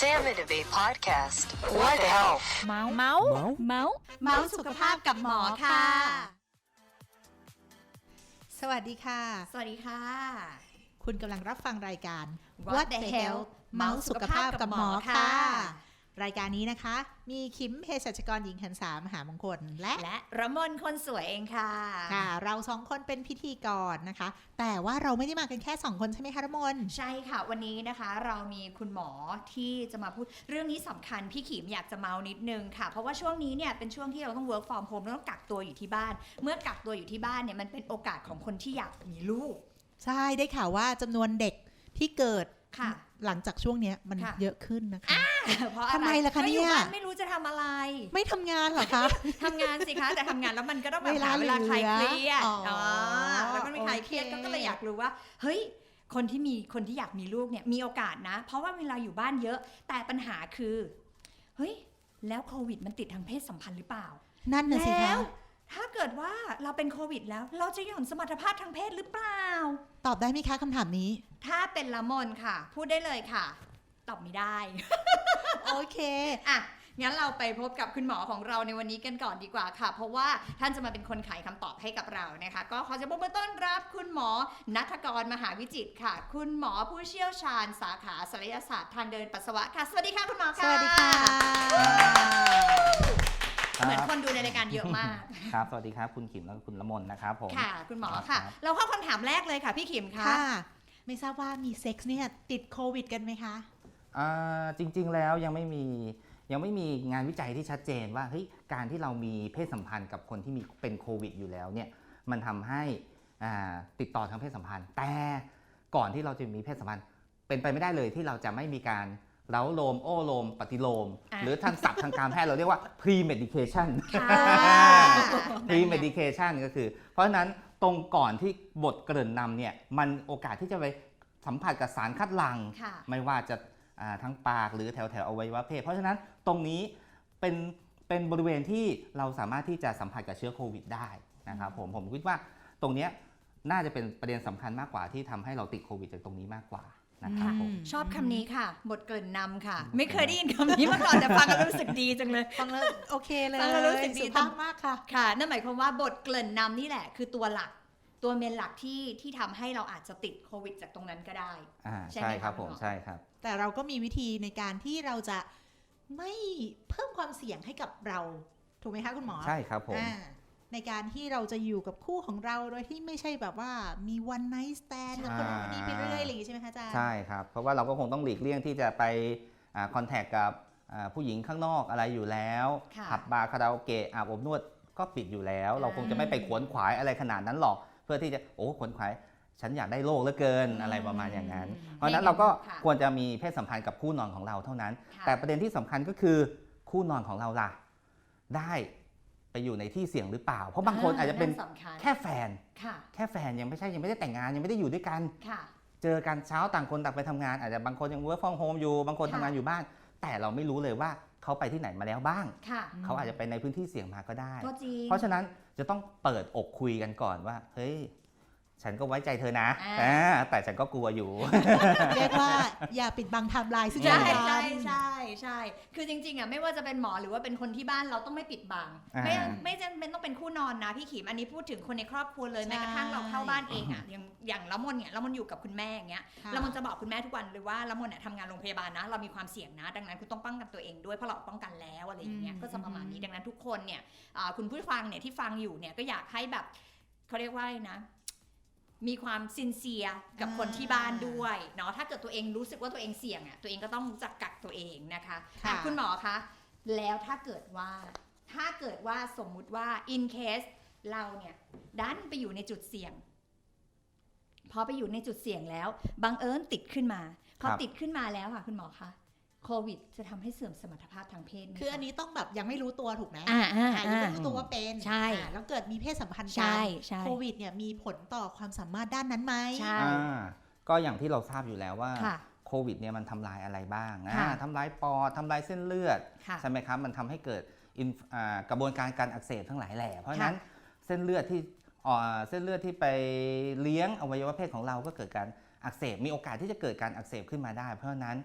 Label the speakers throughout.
Speaker 1: Sam and Abe podcast. What health?
Speaker 2: เมาส์สุขภาพกับหมอค่ะ
Speaker 3: สวัสดีค่ะ
Speaker 2: สวัสดีค่ะ
Speaker 3: คุณกำลังรับฟังรายการ
Speaker 2: What the Health
Speaker 3: เมาส์สุขภาพกับหมอค่ะ
Speaker 2: ค่ะ
Speaker 3: รายการนี้นะคะ มีคิมเภสัชกรหญิงหันษามหามงคลและ
Speaker 2: และระมนคนสวยเองค่ะ
Speaker 3: ค่ะ เราสองคนเป็นพิธีกรนะคะ แต่ว่าเราไม่ได้มากันแค่2คนใช่ไหมคะระมน
Speaker 2: ใช่ค่ะวันนี้นะคะเรามีคุณหมอที่จะมาพูดเรื่องนี้สำคัญพี่ขิมอยากจะเมานิดนึงค่ะเพราะว่าช่วงนี้เนี่ยเป็นช่วงที่เราต้อง work from home เราต้องกักตัวอยู่ที่บ้าน เมื่อกักตัวอยู่ที่บ้านเนี่ยมันเป็นโอกาสของคนที่อยากมีลูก
Speaker 3: ใช่ได้ข่าวว่าจำนวนเด็กที่เกิด
Speaker 2: ค่ะ
Speaker 3: หลังจากช่วงนี้มัน
Speaker 2: ค่ะ
Speaker 3: เยอะขึ้นนะคะ
Speaker 2: เพราะอะไร
Speaker 3: ทำไมล่ะคะเนี่ย
Speaker 2: ก็อยู่บ้านไม่รู้จะทำอะไร
Speaker 3: ไม่ทำงานเหรอคะ
Speaker 2: ทำงานสิคะแต่ทำงานแล้วมันก็ต้องแบบ
Speaker 3: เวลา
Speaker 2: หาเวลาคลายเครียด
Speaker 3: เหลืออ๋อ
Speaker 2: แล้วมันไม่คลายเครียด
Speaker 3: โอเค
Speaker 2: ก็เลยอยากรู้ว่าเฮ้ยคนที่อยากมีลูกเนี่ยมีโอกาสนะ เพราะว่าเวลาอยู่บ้านเยอะ แต่ปัญหาคือเฮ้ยแล้วโควิดมันติดทางเพศสัมพันธ์หรือเปล่า
Speaker 3: นั่นน่ะสิ
Speaker 2: แล้
Speaker 3: คะ
Speaker 2: วถ้าเกิดว่าเราเป็นโควิดแล้วเราจะหย่อนสมรรถภาพทางเพศหรือเปล่า
Speaker 3: ตอบได้ไหมคะคำถามนี้
Speaker 2: ถ้าเป็นละมนค่ะ พูดได้เลยค่ะ ตอบไม่ได้
Speaker 3: โอเค
Speaker 2: อ่ะ งั้นเราไปพบกับคุณหมอของเราในวันนี้กันก่อนดีกว่าค่ะ เพราะว่าท่านจะมาเป็นคนไขคำตอบให้กับเรานะคะ ก็ขอจะปรบมือต้อนรับคุณหมอณัฐกรมหาวิจิตรค่ะ คุณหมอผู้เชี่ยวชาญสาขาศัลยศาสตร์ทางเดินปัสสาวะค่ะ สวัสดีค่ะคุณหมอ
Speaker 3: ส
Speaker 2: ค่ะ
Speaker 3: วัสดีค่ะ
Speaker 2: เหมือนคนดูในรายการเยอะมาก
Speaker 4: ครับสวัสดีครับคุณขิมและคุณละมนนะครับผม
Speaker 2: ค่ะ คุณหมอ
Speaker 4: ครับ
Speaker 2: ค่ะ เราเข้าคำถามแรกเลยค่ะพี่ขิมคะ
Speaker 3: ค่ะ ไม่ทราบว่ามีเซ็กซ์เนี่ยติดโควิดกันไหมคะ
Speaker 4: จริงๆแล้วยังไม่มีงานวิจัยที่ชัดเจนว่าเฮ้ยการที่เรามีเพศสัมพันธ์กับคนที่มีเป็นโควิดอยู่แล้วเนี่ยมันทำให้ติดต่อทางเพศสัมพันธ์ แต่ก่อนที่เราจะมีเพศสัมพันธ์เป็นไปไม่ได้เลยที่เราจะไม่มีการเล้าโลมโอ้โลมปฏิโลม หรือทางศัพท์ทางการแพทย์เราเรียกว่า pre medication
Speaker 2: ค่ะ
Speaker 4: pre medication ก็คือ เพราะฉะนั้นตรงก่อนที่บทเกริ่นนำเนี่ยมันโอกาสที่จะไปสัมผัสกับสารคัดหลั่ง
Speaker 2: ค่ะ
Speaker 4: ไม่ว่าจะทั้งปากหรือแถวอวัยวะเพศเพราะฉะนั้นตรงนี้เป็นบริเวณที่เราสามารถที่จะสัมผัสกับเชื้อโควิดได้นะครับผมคิดว่าตรงนี้น่าจะเป็นประเด็นสำคัญมากกว่าที่ทำให้เราติดโควิดจากตรงนี้มากกว่านะครับผม
Speaker 2: ชอบคำนี้ค่ะ บทเกริ่นนำค่ะ ไม่เคยได้ยินคำนี้มาก่อนแต่ฟังแล้วรู้สึกดีจังเลย
Speaker 3: ฟังแล้วโอเคเลย
Speaker 2: ฟังแล้วรู้สึกดี
Speaker 3: สุภาพมากค่ะ
Speaker 2: ค่ะนั่นหมายความว่าบทเกริ่นนำนี่แหละคือตัวหลักตัวเมนหลักที่ทำให้เราอาจจะติดโควิดจากตรงนั้นก็ได้ ใช่ไหม
Speaker 4: ใช่ครับ
Speaker 2: คะ
Speaker 4: ผม
Speaker 2: คุณหมอ
Speaker 4: ใช่ครับ
Speaker 3: แต่เราก็มีวิธีในการที่เราจะไม่เพิ่มความเสี่ยงให้กับเรา ถูกไหมคะคุณหมอ
Speaker 4: ใช่ครับผม
Speaker 3: ในการที่เราจะอยู่กับคู่ของเราโดยที่ไม่ใช่แบบว่ามี one night stand กับคนนี้ไปเรื่อยอะไรอย่างงี้ใช่ไหมคะอาจารย์
Speaker 4: ใช่ครับเพราะว่าเราก็คงต้องหลีกเลี่ยงที่จะไปคอนแทคกับผู้หญิงข้างนอกอะไรอยู่แล้ว
Speaker 2: ค่ะ
Speaker 4: ผับบาร์คาราโอเกะอาบอบนวดก็ปิดอยู่แล้ว เราคงจะไม่ไปขวนขวายอะไรขนาดนั้นหรอก เพื่อที่จะขวนขวายฉันอยากได้โลกเหลือเกินอะไรประมาณอย่างนั้น เพราะฉะนั้นเราก็
Speaker 2: ค่ะ
Speaker 4: ควรจะมีเพศสัมพันธ์กับคู่นอนของเราเท่านั้น
Speaker 2: ค่ะ
Speaker 4: แต่ประเด็นที่สำคัญก็คือคู่นอนของเราล่ะได้ไปอยู่ในที่เสี่ยงหรือเปล่า เพราะบางคนอาจจะเป็น
Speaker 2: สำคัญ
Speaker 4: แค่แฟน
Speaker 2: ค่ะ
Speaker 4: แค่แฟนยังไม่ได้แต่งงานยังไม่ได้อยู่ด้วยกัน
Speaker 2: ค่ะ
Speaker 4: เจอกันเช้าต่างคนต่างไปทำงานอาจจะบางคนยัง work from home อยู่บางคน
Speaker 2: ค่ะ
Speaker 4: ทำงานอยู่บ้าน แต่เราไม่รู้เลยว่าเขาไปที่ไหนมาแล้วบ้าง
Speaker 2: ค่ะ
Speaker 4: เขาอาจจะไปในพื้นที่เสี่ยงมาก็ได้
Speaker 2: ก็จริง
Speaker 4: เพราะฉะนั้นจะต้องเปิดอกคุยกันก่อนว่าเฮ้ยฉันก็ไว้ใจเธอนะ แต่ฉันก็กลัวอยู่
Speaker 3: เรียกว่าอย่าปิดบังไทม์ไลน์ซึ่ง
Speaker 2: ใช่
Speaker 3: กัน
Speaker 2: ใช่ใช่ใช่คือจริงๆอ่ะไม่ว่าจะเป็นหมอหรือว่าเป็นคนที่บ้านเราต้องไม่ปิดบัง ไม่จำเป็นต้องเป็นคู่นอนนะพี่ขิมอันนี้พูดถึงคนในครอบครัวเลยแม้กระทั่งเราเข้าบ้านเองอ่ะอย่างละมนเนี่ยละมนอยู่กับคุณแม่อย่างเงี้ย
Speaker 3: ค่ะ
Speaker 2: ละมนจะบอกคุณแม่ทุกวันเลยว่าละมนเนี่ยทำงานโรงพยาบาลนะเรามีความเสี่ยงนะ ดังนั้นคุณต้องป้องกันตัวเองด้วยเพราะเราป้องกันแล้วอะไรอย่างเงี้ยก็จะประมาณนี้ดังนั้นทุกคนเนี่ยคุณผู้ฟังเนี่ยที่ฟังอยู่เนี่ยก็อยากให้แบบเขาเรียกว่าอะไรนะ มีความซินเซียกับคนที่บ้านด้วยเนาะถ้าเกิดตัวเองรู้สึกว่าตัวเองเสี่ยงอ่ะตัวเองก็ต้องรู้จักกักตัวเองนะคะ
Speaker 3: ค่ะ
Speaker 2: อ่ะคุณหมอคะแล้วถ้าเกิดว่าสมมุติว่า in case เราเนี่ยดันไปอยู่ในจุดเสี่ยงพอไปอยู่ในจุดเสี่ยงแล้วบังเอิญติดขึ้นมาพอ
Speaker 4: ครับ
Speaker 2: ติดขึ้นมาแล้วค่ะคุณหมอคะโควิดจะทำให้เสื่อมสมรรถภาพทางเพศไหม
Speaker 3: คืออันนี้ต้องแบบยังไม่รู้ตัวถูกไหม ยังไม่รู้ตัวว่าเป็น
Speaker 2: ใช่
Speaker 3: แล้วเกิดมีเพศสัมพันธ์กั
Speaker 2: ใช่ใช่
Speaker 3: โควิดเนี่ยมีผลต่อความสามารถด้านนั้นไหม
Speaker 2: ใช่
Speaker 4: ก็อย่างที่เราทราบอยู่แล้วว่า
Speaker 2: ค่ะ
Speaker 4: โควิดเนี่ยมันทำลายอะไรบ้าง
Speaker 2: ค่ะ
Speaker 4: ทำลายปอดทำลายเส้นเลือด
Speaker 2: ค่ะ
Speaker 4: ใช่ไหมครับมันทำให้เกิดกระบวนการการอักเสบทั้งหลายแหล่เพราะฉะนั้นเส้นเลือดที่ไปเลี้ยงอวัยวะเพศของเราก็เกิดการอักเสบมีโอกาสที่จะเกิดการอักเสบขึ้นมาได้ เพราะฉะนั้น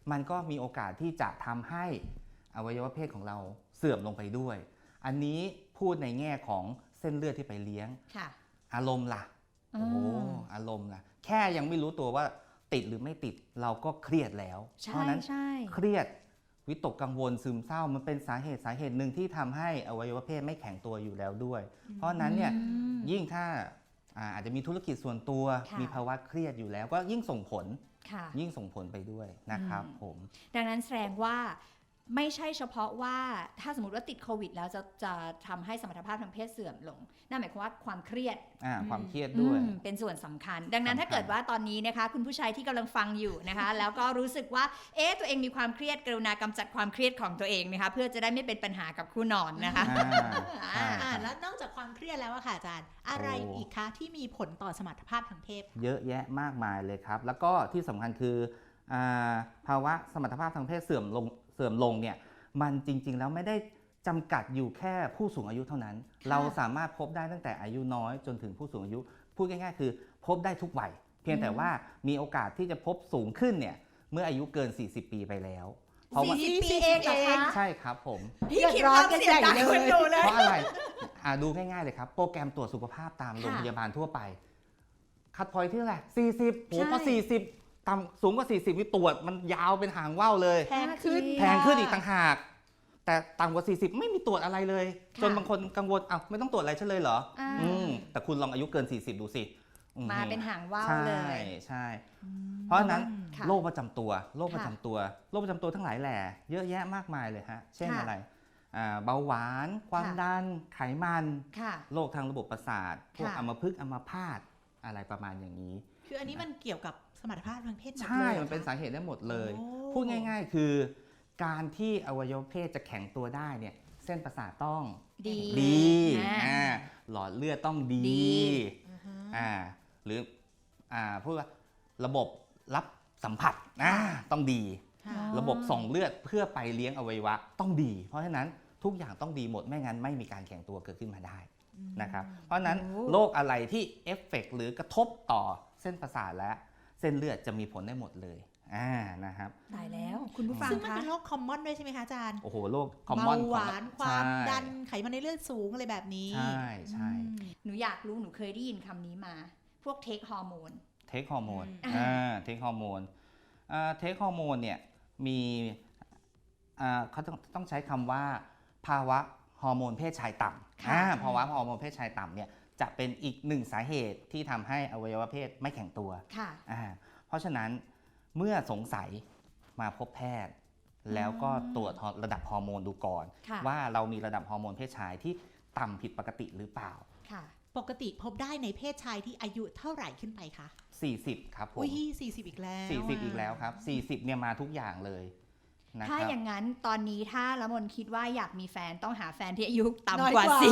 Speaker 4: มันก็มีโอกาสที่จะทำให้อวัยวะเพศของเราเสื่อมลงไปด้วย อันนี้พูดในแง่ของเส้นเลือดที่ไปเลี้ยง
Speaker 2: ค่ะ
Speaker 4: อารมณ์ล่ะโอ้อารมณ์ล่ะแค่ยังไม่รู้ตัวว่าติดหรือไม่ติดเราก็เครียดแล้ว
Speaker 2: ใช่
Speaker 4: เพราะนั้น
Speaker 2: ใช่
Speaker 4: เครียดวิตกกังวลซึมเศร้ามันเป็นสาเหตุหนึ่งที่ทำให้อวัยวะเพศไม่แข็งตัวอยู่แล้วด้วย เพราะฉะนั้นเนี่ย
Speaker 2: อืม
Speaker 4: ยิ่งถ้าอาจจะมีธุรกิจส่วนตัว
Speaker 2: ค่ะ
Speaker 4: มีภาวะเครียดอยู่แล้วก็ยิ่งส่งผล
Speaker 2: ค่ะ
Speaker 4: ยิ่งส่งผลไปด้วยนะครับผม
Speaker 2: ดังนั้นแสดงว่าไม่ใช่เฉพาะว่าถ้าสมมติว่าติดโควิดแล้วจะทำให้สมรรถภาพทางเพศเสื่อมลงนั่นหมายความว่าความเครียด
Speaker 4: ความเครียดด้วย
Speaker 2: เป็นส่วนสำคัญ ดังนั้น
Speaker 4: สำคัญ
Speaker 2: ถ้าเกิดว่าตอนนี้นะคะ คุณผู้ชายที่กำลังฟังอยู่นะคะ แล้วก็รู้สึกว่าตัวเองมีความเครียดกรุณากำจัดความเครียดของตัวเองนะคะเพื่อจะได้ไม่เป็นปัญหากับคู่นอนนะคะ
Speaker 4: ใช่
Speaker 3: แล้วนอกจากความเครียดแล้วอะค่ะอาจารย์ อะไรอีกคะที่มีผลต่อสมรรถภาพทางเพศ
Speaker 4: เยอะแยะมากมายเลยครับ แล้วก็ที่สำคัญคือภาวะสมรรถภาพทางเพศเสื่อมลงเนี่ยมันจริงๆแล้วไม่ได้จำกัดอยู่แค่ผู้สูงอายุเท่านั้น เราสามารถพบได้ตั้งแต่อายุน้อยจนถึงผู้สูงอายุ พูดง่ายๆคือพบได้ทุกวัยเพียงแต่ว่ามีโอกาสที่จะพบสูงขึ้นเนี่ยเมื่ออายุเกิน 40 ปีไปแล้ว เพราะว่า
Speaker 2: 40 ปีเองเหรอคะ
Speaker 4: ใช่ครับผม
Speaker 2: พี่คิดว่าเสียดายคนดูเลย
Speaker 4: เพราะอะไรดูง่ายๆเลยครับโปรแกรมตรวจสุขภาพตามโรงพยาบาลทั่วไปคัดพอยที่เท่าไหร่40โหพอ40ต่ำสูงกว่า 40นี่ตรวจมันยาวเป็นหางว่าวเลย
Speaker 3: แพงขึ้น
Speaker 4: แพงขึ้นอีกต่างหาก แต่ต่ำกว่า 40 ไม่มีตรวจอะไรเลย
Speaker 2: ค่ะ
Speaker 4: จนบางคนกังวลไม่ต้องตรวจอะไรฉันเลยเหรอ
Speaker 2: อ่า
Speaker 4: แต่คุณลองอายุเกิน 40 ดูสิ
Speaker 2: มาเป็นหางว่าว
Speaker 4: ใช่
Speaker 2: เลย
Speaker 4: ใช่ เพราะฉะนั้น
Speaker 2: ค่ะ
Speaker 4: โรคประจำตัวทั้งหลายแหล่เยอะแยะมากมายเลยฮะเช่น
Speaker 2: ค่ะ
Speaker 4: อะไรเบาหวานความ
Speaker 2: ค่ะ
Speaker 4: ดันไขมัน
Speaker 2: ค่ะ
Speaker 4: โรคทางระบบประสาทพวก
Speaker 2: ค่ะ
Speaker 4: อัมพฤกษ์อัมพาตอะไรประมาณอย่างนี้
Speaker 3: คืออันนี้มันเกี่ยวกับสมรรถภาพทางเพศหมดเลย
Speaker 4: ใช่
Speaker 3: หรอ
Speaker 4: มันเป็น
Speaker 3: คะ
Speaker 4: สาเหตุได้หมดเลย
Speaker 3: โอ้
Speaker 4: พูดง่ายๆคือ การที่อวัยวะเพศจะแข็งตัวได้เนี่ยเส้นประสาทต้อง
Speaker 2: ดี
Speaker 4: ดี
Speaker 2: อ่า
Speaker 4: หลอดเลือดต้องดี
Speaker 2: ดี
Speaker 4: หรือพูดว่าระบบรับสัมผัสต้องดี
Speaker 3: ค่ะ
Speaker 4: ระบบส่งเลือดเพื่อไปเลี้ยงอวัยวะต้องดี เพราะฉะนั้นทุกอย่างต้องดีหมดไม่งั้นไม่มีการแข็งตัวเกิดขึ้นมาได้นะครับ เพราะฉะนั้น
Speaker 2: โอ้
Speaker 4: โรคอะไรที่เอฟเฟกต์หรือกระทบต่อเส้นประสาทและเส้นเลือดจะมีผลได้หมดเลยนะครับ
Speaker 2: ตายแล้วคุณผู้ฟัง
Speaker 3: ซึ่งมัน
Speaker 2: คะ
Speaker 3: เป็นโรคคอมมอนด้วยใช่ไหมคะอาจารย์
Speaker 4: โอ้โหโรคคอมมอน
Speaker 3: เบาหวานความ
Speaker 4: ใช่
Speaker 3: ดันไขมันในเลือดสูงอะไรแบบนี้
Speaker 4: ใช่ใช่
Speaker 3: อืม
Speaker 2: หนูอยากรู้หนูเคยได้ยินคำนี้มา พวกเทคฮอร์โมน
Speaker 4: เทคฮอร์โมน
Speaker 2: อืม
Speaker 4: เทคฮอร์โมนเทคฮอร์โมนเนี่ยมีเขาต้องใช้คำว่าภาวะฮอร์โมนเพศชายต่ำภาวะฮอร์โมนเพศชายต่ำเนี่ยจะเป็นอีกหนึ่งสาเหตุที่ทำให้อวัยวะเพศไม่แข็งตัว
Speaker 2: ค่ะ
Speaker 4: เพราะฉะนั้นเมื่อสงสัยมาพบแพทย์ แล้วก็ตรวจระดับฮอร์โมนดูก่อน
Speaker 2: ค่ะ
Speaker 4: ว่าเรามีระดับฮอร์โมนเพศชายที่ต่ำผิดปกติหรือเปล่า
Speaker 2: ค่ะ
Speaker 3: ปกติพบได้ในเพศชายที่อายุเท่าไหร่ขึ้นไปคะ
Speaker 4: 40 ครับผม
Speaker 3: อุ้ย40 อีกแล้ว
Speaker 4: 40 อีกแล้วครับ 40เนี่ยมาทุกอย่างเลยนะค
Speaker 2: ถ้า
Speaker 4: รับ
Speaker 2: อย่างนั้นตอนนี้ถ้าละมนคิดว่าอยากมีแฟนต้องหาแฟนที่อายุ
Speaker 3: น้อย
Speaker 2: ต่ำก
Speaker 3: ก
Speaker 2: ว่า
Speaker 3: ว่า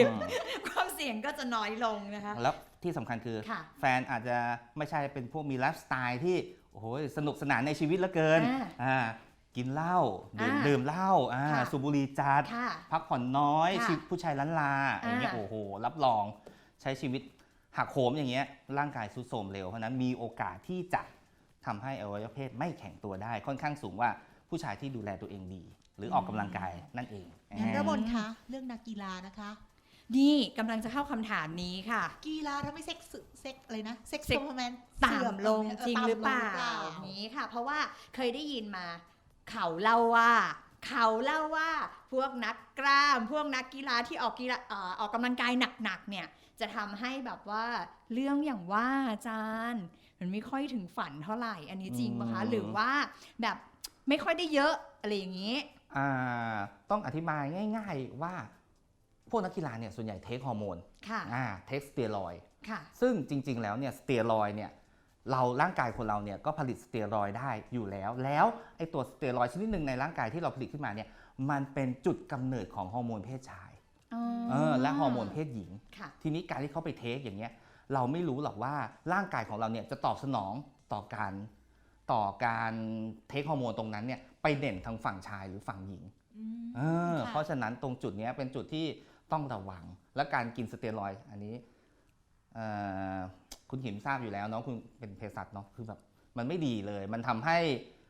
Speaker 2: 40 ความเสี่ยงก็จะน้อยลงนะคะ
Speaker 4: แล้วที่สำคัญคือ
Speaker 2: ค่ะ
Speaker 4: แฟนอาจจะไม่ใช่เป็นพวกมีไลฟ์สไตล์ที่โอ้โหสนุกสนานในชีวิตเหลือเกิน กินเหล้าดื่มเหล้า
Speaker 2: ค่ะ
Speaker 4: สูบบุหรี่จัด
Speaker 2: ค่ะ
Speaker 4: พักผ่อนน้อย
Speaker 2: ค่ะ
Speaker 4: ชีวิตผู้ชายล้านลาอย่างเงี้ยโอ้โหรับรองใช้ชีวิตหักโหมอย่างเงี้ยร่างกายทรุดโทรมเร็วเพราะฉะนั้นมีโอกาสที่จะทำให้อวัยวะเพศไม่แข็งตัวได้ ค่อนข้างสูงว่าผู้ชายที่ดูแลตัวเองดี หรือออกกำลังกายนั่นเอง
Speaker 3: งั้นระบนคะเรื่องนักกีฬานะคะ
Speaker 2: นี่กำลังจะเข้าคำถามนี้ค่ะ
Speaker 3: กีฬาทำให้เซ็กอะไรนะเซ็ก
Speaker 2: เซ็ก
Speaker 3: ซ์เพอร์แมน
Speaker 2: ต่ำลงจริงหรือเปล่านี้ค่ะ เพราะว่าเคยได้ยินมาเขาเล่าว่าพวกนักกล้าม พวกนักกีฬาที่ออกกำลังกายหนักๆเนี่ยจะทำให้แบบว่าเรื่องอย่างว่าอาจารย์มันไม่ค่อยถึงฝันเท่าไหร่ อันนี้จริงปะคะหรือว่าแบบไม่ค่อยได้เยอะอะไรอย่างนี้
Speaker 4: ต้องอธิบายง่าย ๆว่าพวกนักกีฬาเนี่ยส่วนใหญ่เทคฮอร์โมน
Speaker 2: ค่ะ
Speaker 4: เทคสเตียรอยด์
Speaker 2: ค่ะ
Speaker 4: ซึ่งจริงๆ แล้วเนี่ยสเตียรอยด์เนี่ยร่างกายคนเราเนี่ยก็ผลิตสเตียรอยด์ได้อยู่แล้วไอ้ตัวสเตียรอยด์ชนิดหนึ่งในร่างกายที่เราผลิตขึ้นมาเนี่ยมันเป็นจุดกำเนิดของฮอร์โมนเพศชายและฮอร์โมนเพศหญิง
Speaker 2: ค่ะ
Speaker 4: ทีนี้การที่เขาไปเทคอย่างเงี้ยเราไม่รู้หรอกว่าร่างกายของเราเนี่ยจะตอบสนองต่อการเทคฮอร์โมนตรงนั้นเนี่ยไปเด่นทางฝั่งชายหรือฝั่งหญิง เพราะฉะนั้นตรงจุดนี้เป็นจุดที่ต้องระวังและการกินสเตียรอยด์อันนี้คุณหิมทราบอยู่แล้วเนาะคุณเป็นเภสัชเนาะคือแบบมันไม่ดีเลยมันทำให้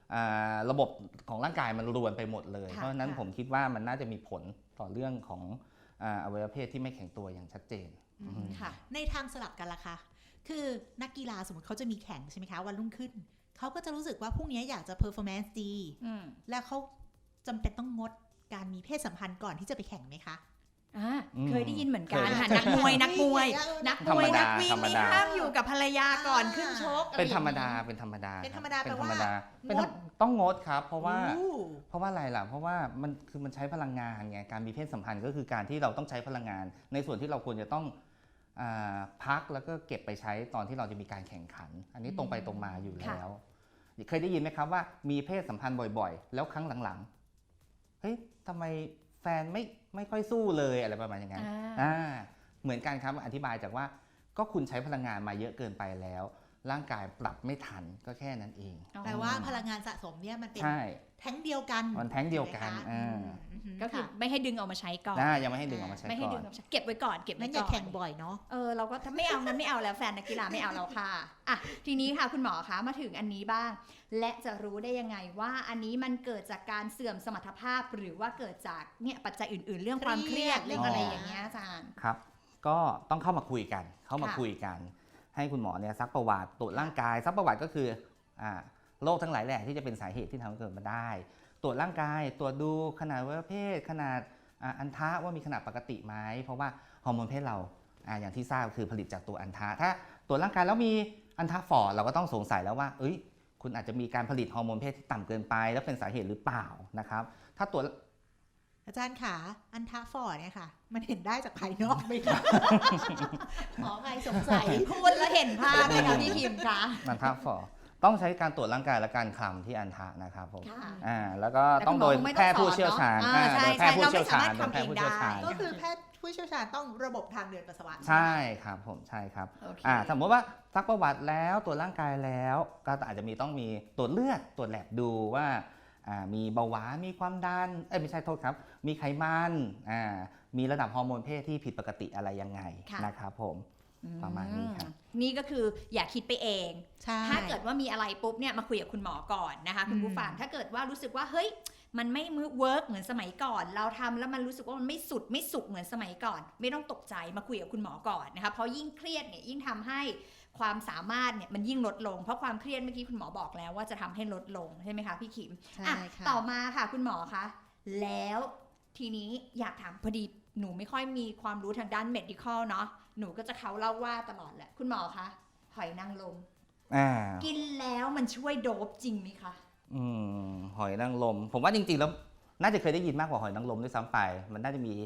Speaker 4: ระบบของร่างกายมันรวนไปหมดเลย
Speaker 2: ค่ะ
Speaker 4: เพราะฉะนั้น
Speaker 2: ค่ะ
Speaker 4: ผมคิดว่ามันน่าจะมีผลต่อเรื่องของอวัยวะเพศที่ไม่แข็งตัวอย่างชัดเจน
Speaker 2: ค่ะ
Speaker 3: ในทางสลับกันล่ะคะคือนักกีฬาสมมติเขาจะมีแข่งใช่ไหมคะวันรุ่งขึ้นเขาก็จะรู้สึกว่าพรุ่งนี้อยากจะ performance ดี แล้วเขาจำเป็นต้องงดการมีเพศสัมพันธ์ก่อนที่จะไปแข่งไหมคะ
Speaker 2: เคยได้ยินเหมือนกัน
Speaker 4: เคย
Speaker 2: ค่ะนักมวยนักวิ่ง
Speaker 4: ธรรมดา
Speaker 2: นักวิ่ง
Speaker 4: ธรรม
Speaker 2: นี่
Speaker 4: ดา
Speaker 2: ห้ามอยู่กับภรรยาก่อนขึ้นชก
Speaker 4: เป็นธรรม
Speaker 2: อะไอย่
Speaker 4: ดา
Speaker 2: งงี้
Speaker 4: เป็นธรรมดา
Speaker 3: เป็นธรรม
Speaker 4: ค
Speaker 3: ดา
Speaker 4: บเป็น
Speaker 3: แปล
Speaker 4: ธร
Speaker 3: ว่า
Speaker 4: รมดา
Speaker 3: งด
Speaker 4: ต้องงดครับ เพราะว่า
Speaker 3: อู้
Speaker 4: อะไรล่ะ เพราะว่ามันใช้พลังงานไง การมีเพศสัมพันธ์ก็คือการที่เราต้องใช้พลังงาน ในส่วนที่เราควรจะต้องพักแล้วก็เก็บไปใช้ตอนที่เราจะมีการแข่งขัน อันนี้ตรงไปตรงมาอยู่แล้ว เคยได้ยินไหมครับว่ามีเพศสัมพันธ์บ่อยๆ แล้วครั้งหลังๆ เฮ้ยทำไมแฟนไม่ค่อยสู้เลยอะไรประมาณอย่างนั้น เหมือนกันครับอธิบายจากว่าก็คุณใช้พลังงานมาเยอะเกินไปแล้ว ร่างกายปรับไม่ทันก็แค่นั้นเอง
Speaker 3: แปลว่าพลังงานสะสมเนี่ยมันเป็น
Speaker 4: ใช่
Speaker 3: แท้งเดียวกัน
Speaker 4: มันแท้งเดียวกัน
Speaker 3: ใช่ไหมคะ
Speaker 2: ก็คือไม่ให้ดึงออกมาใช้ก่อน
Speaker 4: ยังไม่ให้ดึงออกมาใช้
Speaker 2: ไม่ให้
Speaker 4: ก่
Speaker 2: ดึ
Speaker 4: อง น
Speaker 2: ออกมาใช้เก็บไว้ก่อนเก็บ
Speaker 3: นั่
Speaker 2: ไว้
Speaker 3: นอย่า
Speaker 2: ก่อน
Speaker 3: แข่งบ่อยเนาะ
Speaker 2: เราก็ถ้าไม่เอางั้นไม่เอาแล้วแฟนนักกีฬาไม่เอาแล้วค่ะอ่ะทีนี้ค่ะคุณหมอคะมาถึงอันนี้บ้าง และจะรู้ได้ยังไงว่าอันนี้มันเกิดจากการเสื่อมสมรรถภาพหรือว่าเกิดจากเนี่ยปัจจัยอื่นๆ เรื่องความเครียด
Speaker 3: เครียด
Speaker 2: เรื่องอะไรอย่างเงี้ยอาจารย์
Speaker 4: ครับ ก็ต้องเข้ามาคุยกัน
Speaker 2: ค่ะ
Speaker 4: คุยกัน ให้คุณหมอเนี่ยซักประวัติตรวจร่างกายซักประวัติก็คือโรคทั้งหลายแหล่ที่จะเป็นสาเหตุที่ทำให้เกิดมาได้ ตรวจร่างกายตรวจดูขนาดอวัยวะเพศขนาดอันทะว่ามีขนาดปกติไหมเพราะว่าฮอร์โมนเพศเราอย่างที่ทราบคือผลิตจากตัวอันทะถ้าตรวจร่างกายแล้วมีอันทะฝ่อเราก็ต้องสงสัยแล้วว่าคุณอาจจะมีการผลิตฮอร์โมนเพศที่ต่ำเกินไปแล้วเป็นสาเหตุหรือเปล่านะครับถ้าตรวจ
Speaker 3: อาจารย์ขาอันทาฟอร์ดเนี่ยค่ะ มันเห็นได้จากภายนอกไหมคะ หมอใครสงสัย
Speaker 2: พูดแล้วเห็นภาพเลยค่ะพี่พิมพ์คะ
Speaker 4: อันทะฝ่อต้องใช้การตรวจร่างกายและการคลำที่อันทะนะครับผม
Speaker 2: ค่ะ
Speaker 4: แล้วก็ต้องโดยแพทย์ผู้เชี่ยวชาญ
Speaker 2: ใช่
Speaker 4: โดยแพทย์ผู้เชี่ยวชาญ
Speaker 2: เราไม่สามารถทำเองได้
Speaker 3: ก็คือแพทย์ผู้เชี่ยวชาญต้องระบบทางเดินปัสสาวะ
Speaker 4: ใช่ครับผมใช่ครับ
Speaker 2: โอเค
Speaker 4: สมมติว่าซักประวัติแล้วตรวจร่างกายแล้วก็อาจจะต้องมีตรวจเลือดตรวจแลบดูว่ามีเบาหวานมีความดันไม่ใช่โทษครับมีไขมันมีระดับฮอร์โมนเพศที่ผิดปกติอะไรยังไงนะครับผมประมาณนี้ครับ
Speaker 2: นี่ก็คืออย่าคิดไปเอง
Speaker 3: ใช่
Speaker 2: ถ้าเกิดว่ามีอะไรปุ๊บเนี่ยมาคุยกับคุณหมอก่อนนะคะคุณผู้ฟังถ้าเกิดว่ารู้สึกว่าเฮ้ยมันไม่เวิร์กเหมือนสมัยก่อน เราทำแล้วมันรู้สึกว่ามันไม่สุดไม่สุกเหมือนสมัยก่อน ไม่ต้องตกใจมาคุยกับคุณหมอก่อนนะคะเพราะยิ่งเครียดเนี่ยยิ่งทำให้ความสามารถเนี่ยมันยิ่งลดลงเพราะความเครียดเมื่อกี้คุณหมอบอกแล้วว่าจะทำให้ลดลงใช่ไหมคะพี่ขิม
Speaker 3: ใช่
Speaker 2: อ่ะ
Speaker 3: ค่ะ
Speaker 2: ต่อมาค่ะคุณหมอคะแล้วทีนี้อยากถามพอดีหนูไม่ค่อยมีความรู้ทางด้าน medical เนาะหนูก็จะเขาเล่าว่าตลอดแหละคุณหมอคะหอยนางรมกินแล้วมันช่วยโดบจริงไหมคะ
Speaker 4: หอยนางรมผมว่าจริงๆแล้วน่าจะเคยได้ยินมากกว่าหอยนางรมด้วยซ้ำไปมันน่าจะมี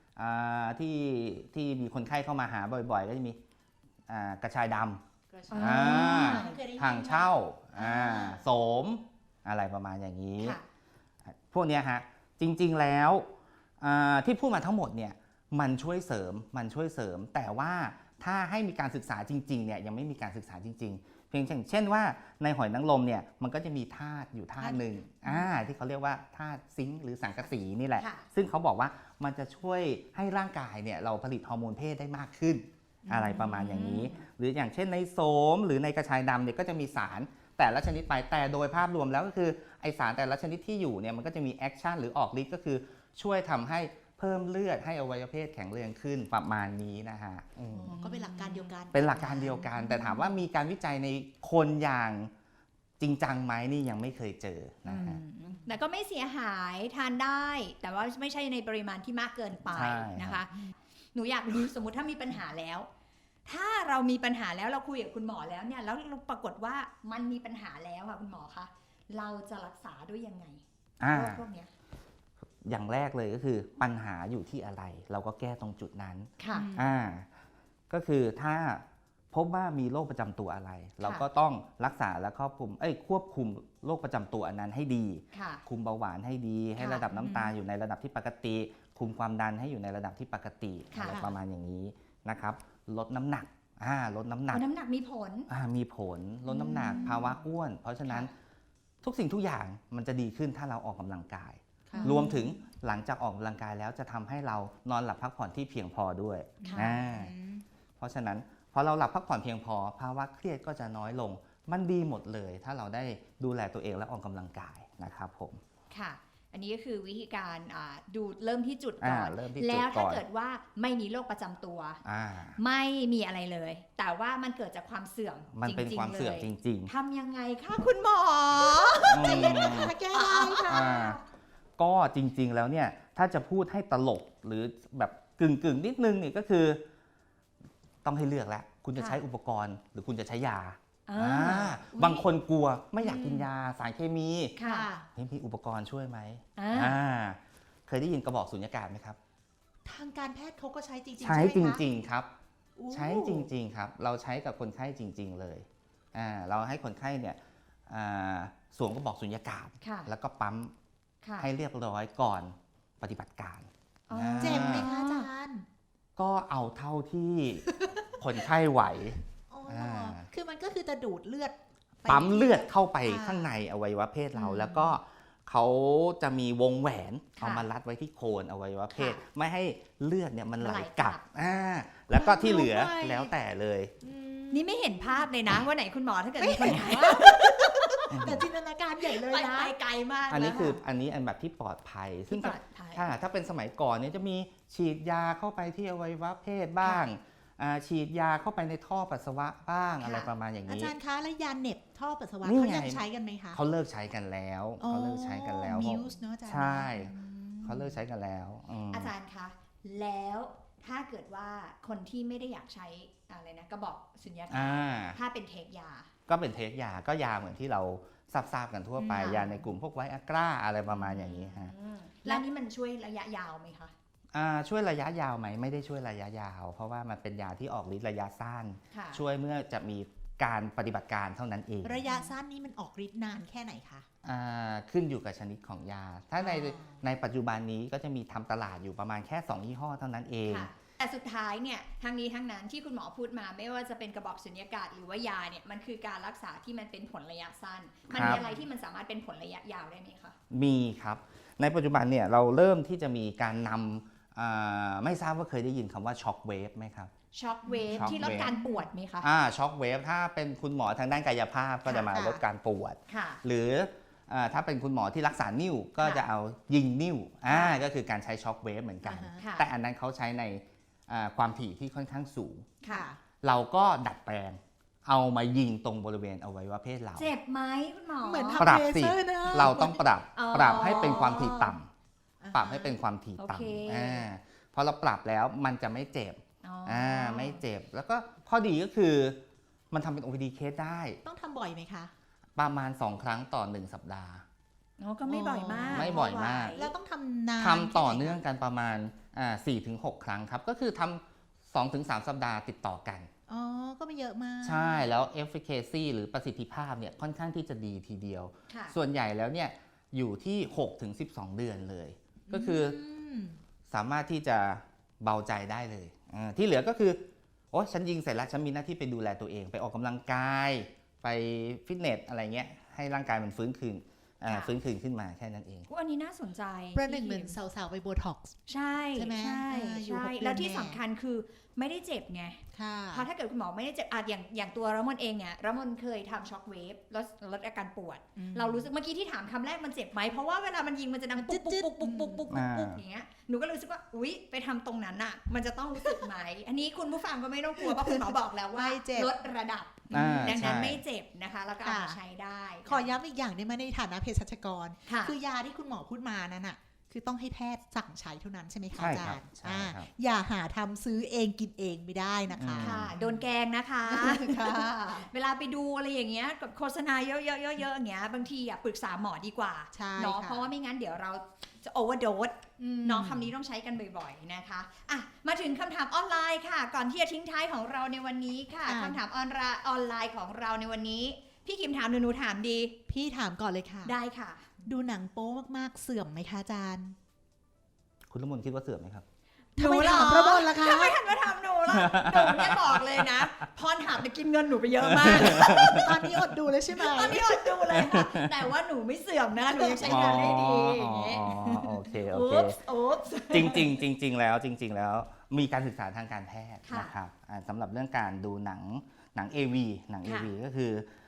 Speaker 4: ที่มีคนไข้เข้ามาหาบ่อยๆก็จะมีกระชายดำทางเช่าโสมอะไรประมาณอย่างนี้ พวกเนี้ยฮะจริงๆแล้วที่พูดมาทั้งหมดเนี่ยมันช่วยเสริมแต่ว่าถ้าให้มีการศึกษาจริงๆเนี่ยยังไม่มีการศึกษาจริงๆเพียงเช่นว่าในหอยนางรมเนี่ยมันก็จะมีธาตุอยู่ธาตุหนึ่งที่เขาเรียกว่าธาตุซิงค์หรือสังกะสีนี่แหละซึ่งเขาบอกว่ามันจะช่วยให้ร่างกายเนี่ยเราผลิตฮอร์โมนเพศได้มากขึ้นอะไรประมาณอย่างนี้หรืออย่างเช่นในโสมหรือในกระชายดำเนี่ยก็จะมีสารแต่ละชนิดไปแต่โดยภาพรวมแล้วก็คือไอสารแต่ละชนิดที่อยู่เนี่ยมันก็จะมีแอคชั่นหรือออกฤทธิ์ก็คือช่วยทำให้เพิ่มเลือดให้อวัยวะเพศแข็งแรงขึ้นประมาณนี้นะฮะ
Speaker 3: ก็เป็นหลักการเดียวกัน
Speaker 4: เป็นหลักการเดียวกัน แต่ถามว่ามีการวิจัยในคนอย่างจริงจังไหมนี่ยังไม่เคยเจอนะฮะ
Speaker 2: แต่ก็ไม่เสียหายทานได้ แต่ว่าไม่ใช่ในปริมาณที่มากเกินไป
Speaker 4: ใช่
Speaker 2: นะคะหนูอยากรู้สมมุติถ้ามีปัญหาแล้ว ถ้าเรามีปัญหาแล้วเราคุยกับคุณหมอแล้วเนี่ยแล้วปรากฏว่ามันมีปัญหาแล้วค่ะคุณหมอคะเราจะรักษาด้วยยังไงโรคพวกเนี้ย
Speaker 4: อย่างแรกเลยก็คือปัญหาอยู่ที่อะไร เราก็แก้ตรงจุดนั้น
Speaker 2: ค่ะ
Speaker 4: ก็คือถ้าพบว่ามีโรคประจำตัวอะไร เราก็ต้องรักษาและควบคุมโรคประจำตัวอันนั้นให้ดี
Speaker 2: ค่ะ
Speaker 4: คุมเบาหวานให้ดีให้ระดับน้ำตาลอยู่ในระดับที่ปกติ คุมความดันให้อยู่ในระดับที่ปกติ
Speaker 2: ค่ะ
Speaker 4: อะไรประมาณอย่างนี้นะครับลดน้ำหนักลดน้ำหนัก
Speaker 2: น้ำหนักมีผล
Speaker 4: มีผลลดน้ำหนักภาวะอ้วน เพราะฉะนั้นทุกสิ่งทุกอย่างมันจะดีขึ้นถ้าเราออกกำลังกาย
Speaker 3: ค่ะ
Speaker 4: รวมถึงหลังจากออกกำลังกายแล้วจะทำให้เรานอนหลับพักผ่อนที่เพียงพอด้วย
Speaker 2: ค่ะ
Speaker 4: เพราะฉะนั้นพอเราหลับพักผ่อนเพียงพอภาวะเครียดก็จะน้อยลงมันดีหมดเลยถ้าเราได้ดูแลตัวเองและออกกำลังกายนะครับผม
Speaker 2: ค่ะ อันนี้ก็คือวิธีการดูเริ่มที่จุดก่อน
Speaker 4: เริ่มที่จุดก่อน
Speaker 2: แล้วถ้าเกิดว่าไม่มีโรคประจำตัว ไม่มีอะไรเลย แต่ว่ามันเกิดจากความเสื่อม
Speaker 4: มันเป็นความเสื่อมจริง
Speaker 2: ทำยังไงคะคุณหมอ
Speaker 4: ๆ
Speaker 3: แก้ได้ค่ะ
Speaker 4: ก็จริงๆแล้วเนี่ยถ้าจะพูดให้ตลกหรือแบบกึ่งนิดนึงเนี่ยก็คือ ต้องให้เลือกแล้วคุณจะใช้อุปกรณ์หรือคุณจะใช้ยาบางคนกลัวไม่อยากกินยาสารเคมี
Speaker 2: ค่ะ
Speaker 4: มีอุปกรณ์ช่วยไหม
Speaker 2: อ่า
Speaker 4: เคยได้ยินกระบอกสุญญากาศไหมครับ
Speaker 3: ทางการแพทย์เขาก็ใช้จริงๆ
Speaker 4: ใช้จ
Speaker 3: ไหมคะ
Speaker 4: ริงๆครับ
Speaker 3: อู้
Speaker 4: ใช้จริงๆครับเราใช้กับคนไข้จริง ๆเลยเราให้คนไข้เนี่ยสวมกระบอกสุญญากาศ
Speaker 2: ค่ะ
Speaker 4: แล้วก็ปั๊ม
Speaker 2: ค่ะ
Speaker 4: ให้เรียบร้อยก่อนปฏิบัติการ
Speaker 2: อ๋อ
Speaker 3: เจ็บไหมคะอาจารย์
Speaker 4: ก็เอาเท่าที่ คนไข้ไหว
Speaker 3: อ๋ออา คือมันก็คือจะดูดเลือดไป
Speaker 4: ปั๊มเลือดเข้าไป
Speaker 3: ค่ะ
Speaker 4: ข้างในอวัยวะเพศเรา
Speaker 3: อืม
Speaker 4: แล้วก็เขาจะมีวงแหวน
Speaker 2: ค่ะ
Speaker 4: เอามารัดไว้ที่โคนอวัยวะเพศ
Speaker 2: ค่ะ
Speaker 4: ไม่ให้เลือดเนี่ยมันไหล
Speaker 2: ไหล
Speaker 4: ก
Speaker 2: กลั
Speaker 4: ลับบ แล้วก็ที่เหลือ
Speaker 3: ว้าว
Speaker 4: แล้วแต่เลย
Speaker 3: อืม
Speaker 2: นี่ไม่เห็นภาพเลยนะว่าไหนคุณหมอถ้าเกิดมีคนไข้
Speaker 3: แต่จินตนาการใหญ่เลย
Speaker 2: ไป
Speaker 3: นะ
Speaker 2: ไกลมาก
Speaker 4: อันนี้คือ
Speaker 2: แล้วะ
Speaker 4: อันนี้อันแบบที่ปลอดภัย ซึ่
Speaker 2: ที่
Speaker 4: ง
Speaker 2: ปลอดภัย
Speaker 4: ถ้าเป็นสมัยก่อนเนี่ยจะมีฉีดยาเข้าไปที่อวัยวะเพศบ้างฉีดยาเข้าไปในท่อปัสสาวะบ้าง
Speaker 2: ค่ะ
Speaker 4: อะไรประมาณอย่าง
Speaker 3: อา
Speaker 4: นี้
Speaker 3: จารย์คะแล้วยาเหน็บท่อปัสสาวะ
Speaker 4: นี่
Speaker 3: เขา
Speaker 4: ไง
Speaker 3: ยังใช้กันไหมคะ
Speaker 4: เขาเลิกใช้กันแล้วเขาเลิกใช้กันแล้ว
Speaker 3: มิวส์เนาะอาจารย์
Speaker 4: ใช่
Speaker 3: อืม
Speaker 4: เขาเลิกใช้กันแล้วม
Speaker 2: อาจารย์คะ แล้วถ้าเกิดว่าคนที่ไม่ได้อยากใช้อะไรนะกระบอกสุญญากาศ
Speaker 4: อ่า
Speaker 2: ถ้าเป็นเทคยา
Speaker 4: ก็เป็นเทคยาก็ยาเหมือนที่เราทราบกันทั่วไป
Speaker 2: ค่ะ
Speaker 4: ยาในกลุ่มพวกไวอากร้าอะไรประมาณอย่างนี้ฮะ
Speaker 2: แล้วนี่มันช่วยระยะยาวไหมคะ
Speaker 4: ช่วยระยะยาวไหมไม่ได้ช่วยระยะยาว เพราะว่ามันเป็นยาที่ออกฤทธิ์ระยะสั้น
Speaker 2: ค่ะ
Speaker 4: ช่วยเมื่อจะมีการปฏิบัติการเท่านั้นเอง
Speaker 3: ระยะสั้นนี้มันออกฤทธิ์นานแค่ไหนคะ
Speaker 4: ขึ้นอยู่กับชนิดของยา ถ้าใน
Speaker 3: อ๋อ
Speaker 4: ในปัจจุบันนี้ก็จะมีทำตลาดอยู่ประมาณแค่ 2 ยี่ห้อเท่านั้นเอง
Speaker 2: ค่ะ แต่สุดท้ายเนี่ยทั้งนี้ทั้งนั้นที่คุณหมอพูดมาไม่ว่าจะเป็นกระบอกสุญญากาศหรือว่ายาเนี่ยมันคือการรักษาที่มันเป็นผลระยะสั้น มันมีอะไรที่มันสามารถเป็นผลระยะยาวได้ไหมคะ
Speaker 4: มีครับ ในปัจจุบันเนี่ยเราเริ่มที่จะมีการนำไม่ทราบว่าเคยได้ยินคำว่าช็อคเวฟไหมครับ
Speaker 2: ช็อคเวฟ
Speaker 4: Shock
Speaker 2: ที่ลด
Speaker 4: wave
Speaker 2: การปวดไหมคะ
Speaker 4: ช็อคเวฟถ้าเป็นคุณหมอทางด้านกายภาพก็จะมา
Speaker 3: ค่ะ
Speaker 4: ลดการปวด
Speaker 2: ค่ะ
Speaker 4: หรือถ้าเป็นคุณหมอที่รักษานิ้วก็
Speaker 2: ค่ะ
Speaker 4: จะเอายิงนิ้ว
Speaker 2: ค่ะ
Speaker 4: ก็คือการใช้ช็อคเวฟเหมือนกัน
Speaker 3: อ่าฮะ
Speaker 2: ค่ะ
Speaker 4: แต่อันนั้นเขาใช้ในความถี่ที่ค่อนข้างสูง
Speaker 2: ค่ะ
Speaker 4: เราก็ดัดแปลงเอามายิงตรงบริเวณอวัยวะเพศเรา
Speaker 2: เจ็บไหมคุณหมอ
Speaker 3: เหมือน
Speaker 4: ป
Speaker 3: ทำ
Speaker 4: รับ
Speaker 3: เล
Speaker 4: สิ
Speaker 3: เซอร์นะ
Speaker 4: เราต้องปรับ
Speaker 2: อ๋อ
Speaker 4: ปรับให้เป็นความถี่ต่ำ
Speaker 3: อ่าฮะ
Speaker 4: ปรับให้เป็นความถี่
Speaker 2: โอเค
Speaker 4: ต่ำพอเราปรับแล้วมันจะไม่เจ็บ
Speaker 2: อ๋อ
Speaker 4: ไม่เจ็บ แล้วก็ข้อดีก็คือมันทำเป็น OPD เคสได้
Speaker 3: ต้องทำบ่อยไหมคะ
Speaker 4: ประมาณ 2 ครั้งต่อ 1 สัปดาห์
Speaker 2: อ๋อก็ไม่บ่อยมาก
Speaker 4: ไม่บ่อยมาก
Speaker 3: แล้วต้องทำนาน
Speaker 4: ทำต่อเนื่องกันประมาณ 4-6 ครั้งครับ ก็คือทำ 2-3 สัปดาห์ติดต่อกัน
Speaker 3: อ๋อ ก็ไม่เยอะมาก
Speaker 4: ใช่ แล้ว efficacy หรือประสิทธิภาพเนี่ยค่อนข้างที่จะดีทีเดียว
Speaker 2: ค่ะ
Speaker 4: ส่วนใหญ่แล้วเนี่ยอยู่ที่ 6-12 เดือนเลย ก็คือสามารถที่จะเบาใจได้เลยที่เหลือก็คือโอ้ฉันยิงเสร็จแล้วฉันมีหน้าที่ไปดูแลตัวเอง ไปออกกำลังกายไปฟิตเนสอะไรเงี้ยให้ร่างกายมันฟื้นคืนขึ้นมาแค่นั้นเอง
Speaker 2: อันนี้น่าสนใจ
Speaker 3: ประหนึ่งเหมือนสาวๆไปโบท็อกซ์
Speaker 2: ใช่
Speaker 3: ใช่ไหม
Speaker 2: ใช่
Speaker 3: อยู่
Speaker 2: ใช่
Speaker 3: 6 เดือน
Speaker 2: แล้วที่
Speaker 3: แน่
Speaker 2: สำคัญคือไม่ได้เจ็บไง
Speaker 3: ค่ะ
Speaker 2: เพราะถ้าเกิดคุณหมอไม่ได้เจ็บอย่างตัวระมนเองเนี่ยระมนเคยทำช็อคเวฟลดอาการปวด เรารู้สึกเมื่อกี้ที่ถามคำแรกมันเจ็บไหมเพราะว่าเวลามันยิงมันจะดังปุ๊กปุ๊กปุ๊กปุ๊กปุ๊กปุ๊กปุ๊กอย่างเงี้ยหนูก็รู้สึกว่าอุ๊ยไปทำตรงนั้นน่ะมันจะต้องรู้สึกไหม อันนี้คุณผู้ฟังก็ไม่ต้องกลัวเพราะคุณหมอบอกแล้วว่า
Speaker 3: ไม่เจ็บ
Speaker 2: ลดระดับ ดังนั้นไม่เจ็บนะคะแล้วก็เอามาใช้ได้
Speaker 3: ขอย้ำอีกอย่างได้ไหมในฐานะเภสัชกร
Speaker 2: ค่ะ
Speaker 3: คือยาที่คุณหมอพูดมานั้นน่ะ คือต้องให้แพทย์สั่งใช้เท่านั้นใช่ไหมคะ
Speaker 4: ใช่
Speaker 3: อา
Speaker 4: ครั
Speaker 3: จา
Speaker 4: บ
Speaker 3: รย์
Speaker 4: ใช่ครับ
Speaker 3: อย่าหาทำซื้อเองกินเองไม่ได้นะคะ
Speaker 2: ค่ะโดนแกงนะคะ
Speaker 3: ค่ะ
Speaker 2: เวลาไปดูอะไรอย่างเงี้ยกับโฆษณาเยอะๆๆๆอย่างเงี้ยบางทีปรึกษาหมอดีกว่า
Speaker 3: ใช่
Speaker 2: เนาะ
Speaker 3: ค่ะ
Speaker 2: เพราะว่าไม่งั้นเดี๋ยวเราจะโอเวอร์โดส น้องคำนี้ต้องใช้กันบ่อยๆนะคะอ่ะมาถึงคำถามออนไลน์ค่ะ ก่อนที่จะทิ้งท้ายของเราในวันนี้ค่ะคำถามออนไลน์ของเราในวันนี้ พี่คิมถามหนูถามดี
Speaker 3: พี่ถามก่อนเลยค่ะ
Speaker 2: ได้ค่ะ
Speaker 3: ดูหนังโป๊มากๆเสื่อมไหมคะอาจารย์
Speaker 4: คุณละมุนคิดว่าเสื่อมไหมครับ
Speaker 3: ทำไม
Speaker 2: หนูเหรอ
Speaker 3: ถามประบนล่ะคะ
Speaker 2: ทำไมหันมาถามหนูล่ะหนูเนี่ยบอกเลยนะพรถามไปกินเงินหนูไปเยอะมาก
Speaker 3: ตอนนี้อดดูเลยใช่ไหม
Speaker 2: ตอนนี้อดดูเลยค่ะแต่ว่าหนูไม่เสื่อมนะหนูยังใช้งานได้ดีอย่างเงี้ย
Speaker 4: โอเค
Speaker 2: อุ๊บอุ๊บ
Speaker 4: จริงๆแล้วมีการศึกษาทางการแพทย์
Speaker 2: ค่ะ
Speaker 4: นะครับสำหรับเรื่องการดูหนัง AV หนัง
Speaker 2: ค่ะ
Speaker 4: AV ก็คือ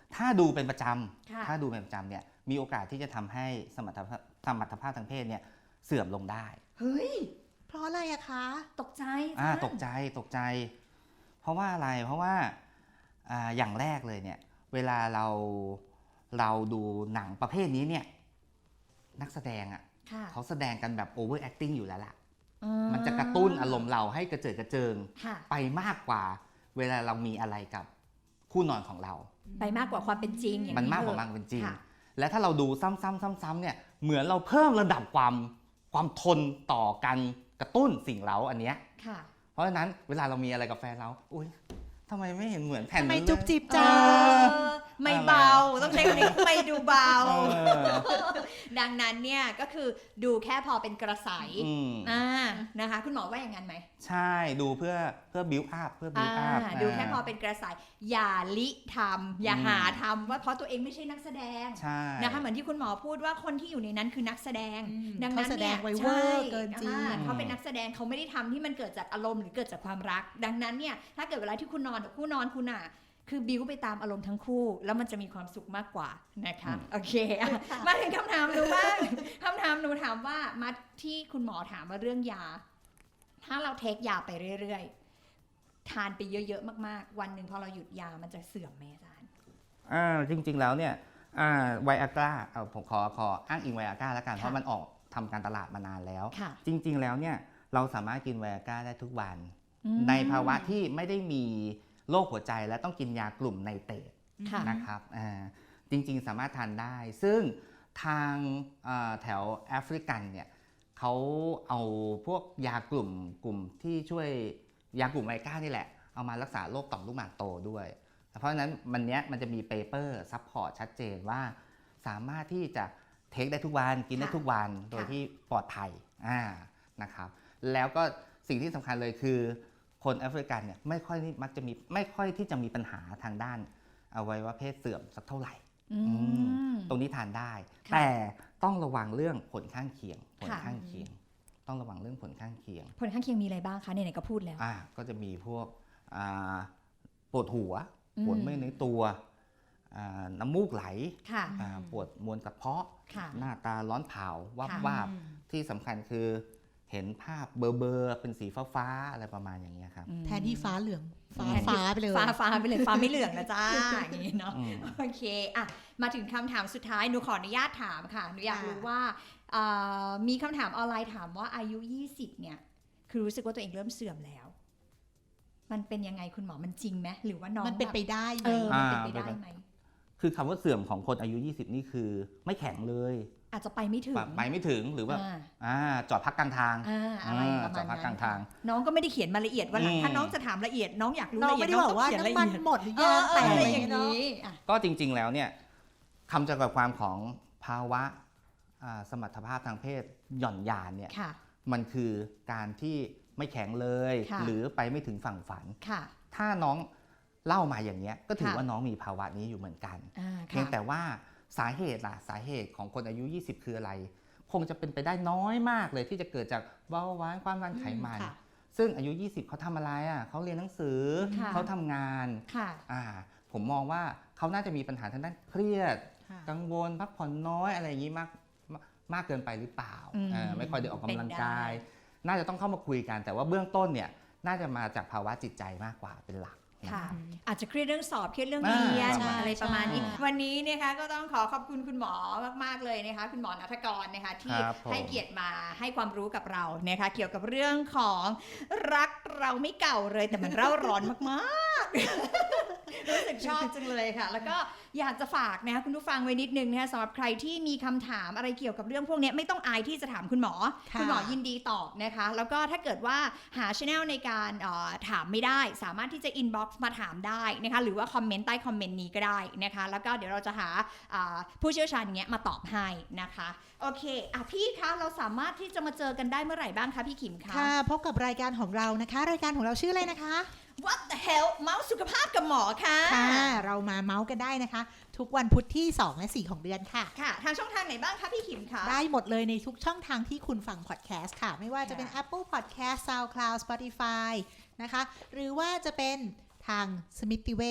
Speaker 4: ถ้าดูเป็นประจ
Speaker 2: ค่ะ
Speaker 4: ำถ้าดูเป็นประจำเนี่ยมีโอกาสที่จะทำให้สมรรถภาพทางเพศเนี่ยเสื่อมลงได้
Speaker 2: เฮ้ย
Speaker 3: เพราะอะไรอะคะ
Speaker 2: ตกใจ
Speaker 4: ตกใจ เพราะว่าอะไรเพราะว่าอย่างแรกเลยเนี่ยเวลาเราดูหนังประเภทนี้เนี่ยนักแสดงอ่ะ
Speaker 2: ค่ะ
Speaker 4: เขาแสดงกันแบบ over acting อยู่แล้วล่ะ
Speaker 2: อืม
Speaker 4: มันจะกระตุ้นอารมณ์เราให้กระเจิดกระเจิง
Speaker 2: ค่ะ
Speaker 4: ไปมากกว่าเวลาเรามีอะไรกับคู่นอนของเรา
Speaker 2: ไปมากกว่าความเป็นจริงอย่าง
Speaker 4: มันมากกว่า
Speaker 2: เถ
Speaker 4: มั
Speaker 2: อะ
Speaker 4: นเป็นจริง
Speaker 2: ค่ะ
Speaker 4: และถ้าเราดูซ้ำๆเนี่ยเหมือนเราเพิ่มระดับความทนต่อการกระตุ้นสิ่งเร้าอันเนี้ย
Speaker 2: ค่ะ
Speaker 4: เพราะฉะนั้นเวลาเรามีอะไรกับแฟนเราอุ้ยทำไมไม่เห็นเหมือนแผ่น
Speaker 3: ทำไม
Speaker 4: นั้นเลย
Speaker 3: จุ๊บจิ๊บ
Speaker 2: เอ
Speaker 3: จ้า
Speaker 2: อไม่เบา ต้องใช้คำนี้ไม่ดูเบา
Speaker 4: เออ
Speaker 2: ดังนั้นเนี่ยก็คือดูแค่พอเป็นกระใส
Speaker 4: อืม
Speaker 2: นะคะ คุณหมอว่าอย่างนั้นไหม
Speaker 4: ใช่ดูเพื่อบิวอัพ
Speaker 2: ดูแค่พอเป็นกระใสอย่าลิทำอย่าหาทำว่าเพราะตัวเองไม่ใช่นักแสดง
Speaker 4: ใช่
Speaker 2: นะคะเหมือนที่คุณหมอพูดว่าคนที่อยู่ในนั้นคือนักแสดง ดังนั้น
Speaker 3: เขาแสด
Speaker 2: เนี่
Speaker 3: ง
Speaker 2: ย
Speaker 3: ไว้เวอร์เกินจริง
Speaker 2: เขาเป็นนักแสดงเขาไม่ได้ทำที่มันเกิดจากอารมณ์หรือเกิดจากความรัก ดังนั้นเนี่ยถ้าเกิดเวลาที่คุณนอนกับคู่นอนคุณอ่ะคือบิวไปตามอารมณ์ทั้งคู่ แล้วมันจะมีความสุขมากกว่านะคะโอเคอะมาถึงคำถามหนูบ้างคำถามหนูถามว่ามาที่คุณหมอถามว่าเรื่องยา ถ้าเราเทคยาไปเรื่อยๆทานไปเยอะๆมากๆวันหนึ่งพอเราหยุดยามันจะเสื่อมไหมอาจารย์
Speaker 4: จริงๆแล้วเนี่ยไวอากร้าผมขออ้างอิงไวอากร้าแล้วกันเพราะมันออกทำการตลาดมานานแล้ว
Speaker 2: ค่ะ
Speaker 4: จริงๆแล้วเนี่ยเราสามารถกินไวอากร้าได้ทุกวัน
Speaker 2: อืม
Speaker 4: ในภาวะที่ไม่ได้มีโรคหัวใจและต้องกินยากลุ่มไนเตรต
Speaker 2: ค่ะ
Speaker 4: นะครับจริงๆสามารถทานได้ ซึ่งทางแถวแอฟริกันเนี่ยเขาเอาพวกยากลุ่มที่ช่วยยากลุ่มไวก้านี่แหละเอามารักษาโรคต่อมลูกหมากโตด้วยเพราะฉะนั้นมันจะมีเปเปอร์ซัพพอร์ตชัดเจนว่าสามารถที่จะเทคได้ทุกวันกินได้ทุกวันโดยที่ปลอดภัยนะครับแล้วก็สิ่งที่สำคัญเลยคือคนแอฟริกันเนี่ยไม่ค่อยที่จะมีปัญหาทางด้านอวัยวะเพศเสื่อมสักเท่าไหร่ ตรงนี้ทานได้
Speaker 2: ค่ะ
Speaker 4: แต่ต้องระวังเรื่องผลข้างเคียง
Speaker 2: ค่ะ
Speaker 4: ต้องระวังเรื่องผลข้างเคียง
Speaker 2: ผลข้างเคียงมีอะไรบ้างคะไหนๆก็พูดแล้ว
Speaker 4: ก็จะมีพวกปวดหัว
Speaker 2: อืม
Speaker 4: ปวดเมื่อยในตัวน้ำมูกไหล
Speaker 2: ค่ะ
Speaker 4: ปวดมวลกระเพาะ
Speaker 2: ค่ะ
Speaker 4: หน้าตาร้อนเผาวับ
Speaker 2: ค่ะ
Speaker 4: วาบที่สำคัญคือเห็นภาพเบลอๆเป็นสีฟ้าๆอะไรประมาณอย่างเงี้ยครับ
Speaker 3: แทนที่ฟ้าเหลืองฟ้า
Speaker 2: แทนที่
Speaker 3: ฟ้าไปเลย
Speaker 2: ฟ้าไปเลยฟ้าไม่เหลืองนะจ้าอย่างนี้เนาะ
Speaker 4: อืม
Speaker 2: โอเคอ่ะมาถึงคำถามสุดท้ายหนูขออนุญาตถามค่ะหนูอยากรู้ว่ามีคำถามออนไลน์ถามว่าอายุ 20เนี่ยคือรู้สึกว่าตัวเองเริ่มเสื่อมแล้ว มันเป็นยังไงคุณหมอมันจริงไหมหรือว่าน้อง
Speaker 3: มันเป็นไปได้ไหม
Speaker 2: มันเป็นไปได้ไหม
Speaker 4: คือคำว่าเสื่อมของคนอายุ 20 นี่คือไม่แข็งเลย
Speaker 2: อาจจะไปไม่ถึง
Speaker 4: ไปไม่ถึงหรือว่า
Speaker 2: อ่า
Speaker 4: จอดพักกลางทาง
Speaker 2: อะไรประมา
Speaker 4: จอ
Speaker 2: ณ
Speaker 4: ดพักก
Speaker 2: นั้
Speaker 4: ลาน งทาง
Speaker 2: น้องก็ไม่ได้เขียนมาละเอียดว่าหลัง
Speaker 4: อืม
Speaker 2: ถ้าน้องจะถามละเอียดน้องอยากรู้
Speaker 3: น้อง
Speaker 2: ละเอียด
Speaker 3: ไม่ได้บอกว่า
Speaker 2: เขีย
Speaker 3: น้ำมัน
Speaker 2: ละเอียด
Speaker 3: หมดหรือยังแต่
Speaker 2: อะ
Speaker 3: อะไร ไร
Speaker 2: อ
Speaker 3: อย่าง
Speaker 2: ย่าง
Speaker 3: เงี้ยเนาะ
Speaker 2: นี้อ่ะ
Speaker 4: ก็จริงๆแล้วเนี่ยคำจำกัดความของภาวะสมรรถภาพทางเพศหย่อนยานเนี่ย
Speaker 2: ค่ะ
Speaker 4: มันคือการที่ไม่แข็งเลย
Speaker 2: ค่ะ
Speaker 4: หรือไปไม่ถึงฝั่งฝัน
Speaker 2: ค่ะ
Speaker 4: ถ้าน้องเล่ามาอย่างเงี้ยก็ถือ
Speaker 2: ค่ะ
Speaker 4: ว่าน้องมีภาวะนี้อยู่เหมือนกัน เพี
Speaker 2: ค่ะ
Speaker 4: ยงแต่ว่าสาเหตุของคนอายุ 20 คืออะไร คงจะเป็นไปได้น้อยมากเลยที่จะเกิดจากเบาหวานความดันไขมัน
Speaker 3: ค่ะ
Speaker 4: ซึ่งอายุ 20 เขาทำอะไรเขาเรียนหนังสือ
Speaker 2: ค่ะ
Speaker 4: เขาทำงาน
Speaker 2: ค่ะ
Speaker 4: ผมมองว่าเขาน่าจะมีปัญหาทางด้านเครียด
Speaker 3: ค่ะ
Speaker 4: กังวลพักผ่อนน้อยอะไรอย่างนี้มากเกินไปหรือเปล่า
Speaker 2: อืม
Speaker 4: ไม่ค่อยได้ออกกำลัง
Speaker 2: เป็นได้
Speaker 4: กาย น่าจะต้องเข้ามาคุยกัน แต่ว่าเบื้องต้นเนี่ยน่าจะมาจากภาวะจิตใจมากกว่าเป็นหลักนะ
Speaker 2: ค่ะ
Speaker 4: ครับ
Speaker 2: อาจจะเครียดเรื่องสอบเครียดเรื่องเรียน
Speaker 3: ใช่
Speaker 2: อะไรประมาณนี้
Speaker 3: ใช่
Speaker 2: วันนี้นะคะก็ต้องขอบคุณคุณหมอมากๆเลยนะคะคุณหมอณัฐกรนะคะที่
Speaker 4: ครับผม
Speaker 2: ให้เกียรติมาให้ความรู้กับเรานะคะเกี่ยวกับเรื่องของรักเราไม่เก่าเลยแต่มันเร่าร้อนมากๆ รู้สึกชอบจังเลยค่ะ แล้วก็อยากจะฝากนะคะคุณผู้ฟังไว้นิดนึงนะคะสำหรับใครที่มีคำถามอะไรเกี่ยวกับเรื่องพวกนี้ไม่ต้องอายที่จะถามคุณหมอ
Speaker 3: ค่ะ
Speaker 2: คุณหมอยินดีตอบนะคะ แล้วก็ถ้าเกิดว่าหาช anel ในการถามไม่ได้สามารถที่จะ inbox มาถามได้นะคะหรือว่าคอมเมนต์ใต้คอมเมนต์นี้ก็ได้นะคะแล้วก็เดี๋ยวเราจะหาผู้เชี่ยวชาญเงี้ยมาตอบให้นะคะโอเคพี่คะเราสามารถที่จะมาเจอกันได้เมื่อไหร่บ้างคะพี่ขิมคะ
Speaker 3: ค่ะพบกับรายการของเรานะคะ รายการของเราชื่ออะไรนะคะ
Speaker 2: What the hell เมาส์สุขภาพกับหมอค่ะ
Speaker 3: ค่ะเรามาเมาส์กันได้นะคะ ทุกวันพุธที่ 2 และ 4 ของเดือนค่ะ
Speaker 2: ค่ะทางช่องทางไหนบ้างคะพี่ขิมคะ
Speaker 3: ได้หมดเลยในทุกช่องทางที่คุณฟังพอดแคสต์ค่ะ ไม่ว่าจะเป็น
Speaker 2: ค่ะ
Speaker 3: Apple Podcast SoundCloud Spotify นะคะ หรือว่าจะเป็นทางสมิติเวช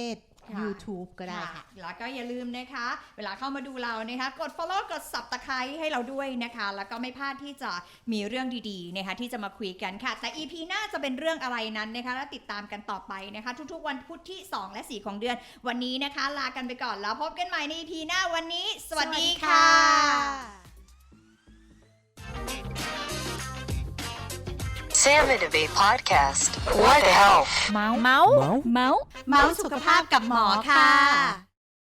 Speaker 3: YouTube ก็ได้ค่ะ
Speaker 2: แล้วก็อย่าลืมนะคะเวลาเข้ามาดูเรานะคะกด follow กด subscribe ให้เราด้วยนะคะแล้วก็ไม่พลาดที่จะมีเรื่องดีๆนะคะที่จะมาคุยกันค่ะแต่ EP หน้าจะเป็นเรื่องอะไรนั้นนะคะแล้วติดตามกันต่อไปนะคะทุกๆวันพุธที่2และ4ของเดือนวันนี้นะคะลากันไปก่อนแล้วพบกันใหม่ใน EP หน้าวันนี้ สวัสดีค่ะ
Speaker 1: Sam and Abe Podcast. What the health?
Speaker 2: เมาส์สุขภาพกับหมอค่ะ